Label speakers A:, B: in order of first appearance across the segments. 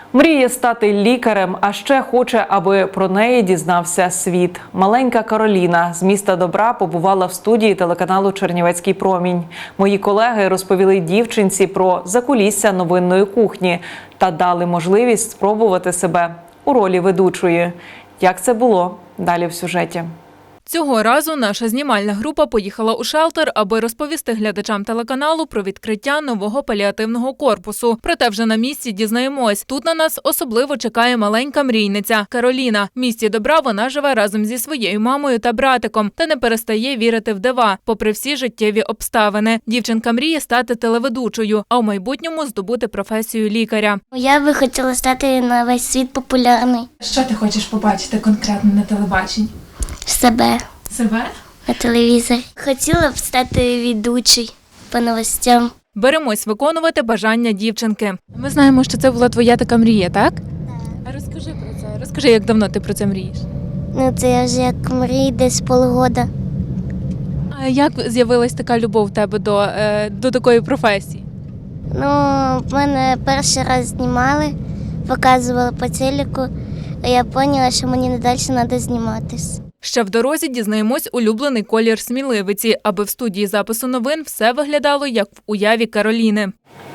A: Мріє стати лікарем, а ще хоче, аби про неї дізнався світ. Маленька Кароліна з міста Добра побувала в студії телеканалу «Чернівецький промінь». Мої колеги розповіли дівчинці про закулісся новинної кухні та дали можливість спробувати себе у ролі ведучої. Як це було? Далі в сюжеті.
B: Цього разу наша знімальна група поїхала у шелтер, аби розповісти глядачам телеканалу про відкриття нового паліативного корпусу. Проте вже на місці дізнаємось, тут на нас особливо чекає маленька мрійниця – Кароліна. В місті Добра вона живе разом зі своєю мамою та братиком та не перестає вірити в дива, попри всі життєві обставини. Дівчинка мріє стати телеведучою, а в майбутньому здобути професію лікаря.
C: Я би хотіла стати на весь світ популярний.
B: Що ти хочеш побачити конкретно на телебаченні?
C: Себе
B: Себе?
C: на телевізорі. Хотіла б стати ведучою по новостям.
B: Беремось виконувати бажання дівчинки. Ми знаємо, що це була твоя така мрія, так? Так. А розкажи про це. Розкажи, як давно ти про це мрієш?
C: Це я вже як мрію десь полгода.
B: А як з'явилась така любов в тебе до такої професії?
C: В мене перший раз знімали, показували по телеку, а я зрозуміла, що мені не далі треба зніматись.
B: Ще в дорозі дізнаємось улюблений колір сміливиці, аби в студії запису новин все виглядало, як в уяві Кароліни.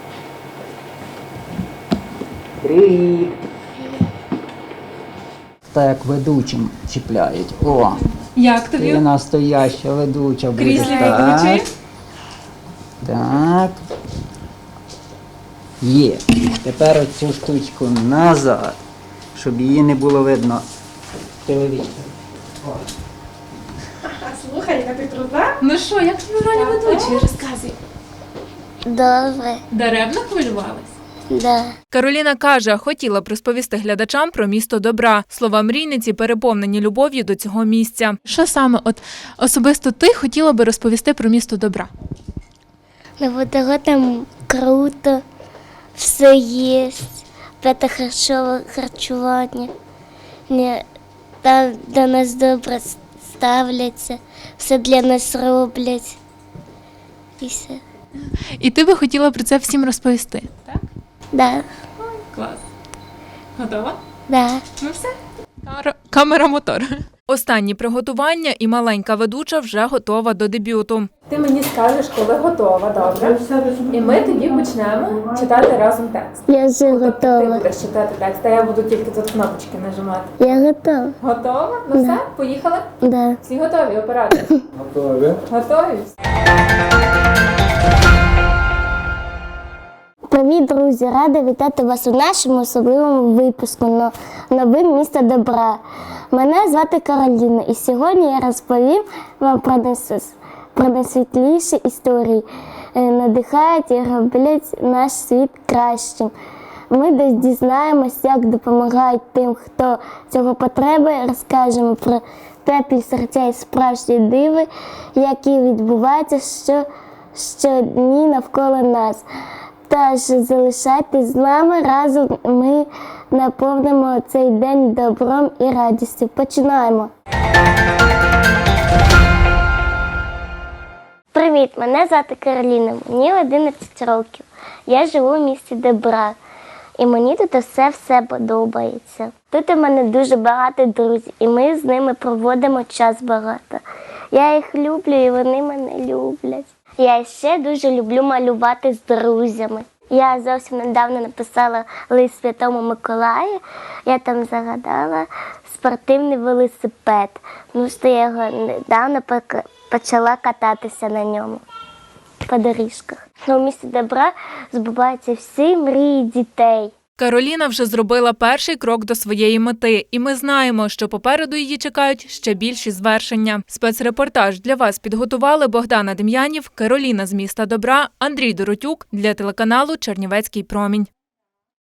D: Привіт! Так ведучим чіпляють. О,
B: Як
D: ти настояща ведуча будеш.
B: Кріслі
D: Так.
B: ведучої?
D: Так. Є. Тепер оцю штучку назад, щоб її не було видно в телевізорі.
E: Слухай, яка ти крута.
B: Ну що, як тобі роль ведучої? Розказуй.
C: Добре,
B: Даремно хвилювалась?
C: да.
B: Кароліна каже, хотіла б розповісти глядачам про місто Добра. Слова мрійниці переповнені любов'ю до цього місця. Що саме особисто ти хотіла би розповісти про місто Добра?
C: Там круто, все є, п'яте харчування, там до нас добре ставляться, все для нас роблять. І все.
B: І ти би хотіла про це всім розповісти, так?
C: Да,
B: Клас. Готова?
C: да.
B: Ну все. Камера, мотор. Останні приготування і маленька ведуча вже готова до дебюту.
E: Ти мені скажеш, коли готова, добре? І ми тоді почнемо читати разом текст.
C: Я вже
E: Ти
C: готова.
E: будеш читати текст, а я буду тільки тут кнопочки нажимати.
C: Я готова.
E: Готова? Ну все, поїхали?
C: Да.
E: Всі готові, оператори?
D: Готові?
E: Готові?
C: Привіт, друзі! Рада вітати вас у нашому особливому випуску «Новин міста Добра». Мене звати Кароліна, і сьогодні я розповім вам про найсвітліші історії. Надихають і роблять наш світ кращим. Ми десь дізнаємось, як допомагають тим, хто цього потребує, розкажемо про теплі серця і справжні диви, які відбуваються щодні навколо нас. Тож залишайтесь з нами, разом ми наповнимо цей день добром і радістю. Починаємо! Привіт, мене звати Кароліна, мені 11 років. Я живу в місті Добра, і мені тут все подобається. Тут у мене дуже багато друзів, і ми з ними проводимо час багато. Я їх люблю, і вони мене люблять. Я ще дуже люблю малювати з друззями. Я зовсім недавно написала лист Святому Миколаю. Я там загадала спортивний велосипед. Що я його недавно почала кататися на ньому по доріжках. У місті Добра збуваються всі мрії дітей.
B: Кароліна вже зробила перший крок до своєї мети, і ми знаємо, що попереду її чекають ще більші звершення. Спецрепортаж для вас підготували Богдана Дем'янів, Кароліна з міста Добра, Андрій Доротюк для телеканалу «Чернівецький промінь».